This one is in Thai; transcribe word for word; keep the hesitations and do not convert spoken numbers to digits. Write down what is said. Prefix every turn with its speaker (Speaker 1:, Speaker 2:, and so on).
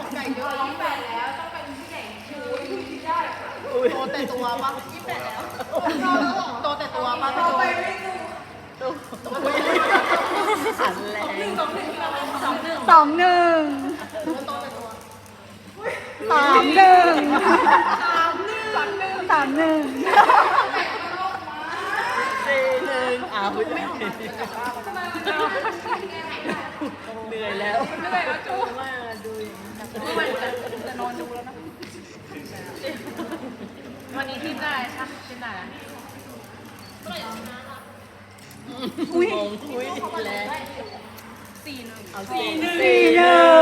Speaker 1: ใหญ่เยอะยี่สิบแปดแล้วต้องเป็นผู้ใหญ่ชูที่ได้โตแต่ตัวปะยี่สิบแปดแล้วโตแต่ตัวปะโตไปไม่ดูหันแรงสองหนึ่งสองหนึ่ง
Speaker 2: สองหนึ่ง
Speaker 1: โตแต่ตัว
Speaker 2: สามหนึ่ง
Speaker 1: สามหนึ่งสามหนึ่ง
Speaker 2: สามหนึ่ง
Speaker 3: สี่หนึ่งอ้าวไม่เหนื่อยแล้ว
Speaker 1: เหนื่อยแล้วจู
Speaker 3: มาดูอย่างนี้
Speaker 1: จะนอนดูแล้วนะวันนี้ทีมได้ค่ะทีมได้แล้ว
Speaker 2: อุ้ย
Speaker 3: งงคุยแล้ว
Speaker 1: สี่หนึ่ง
Speaker 3: เอาสี่หนึ่ง
Speaker 2: สี่หนึ่ง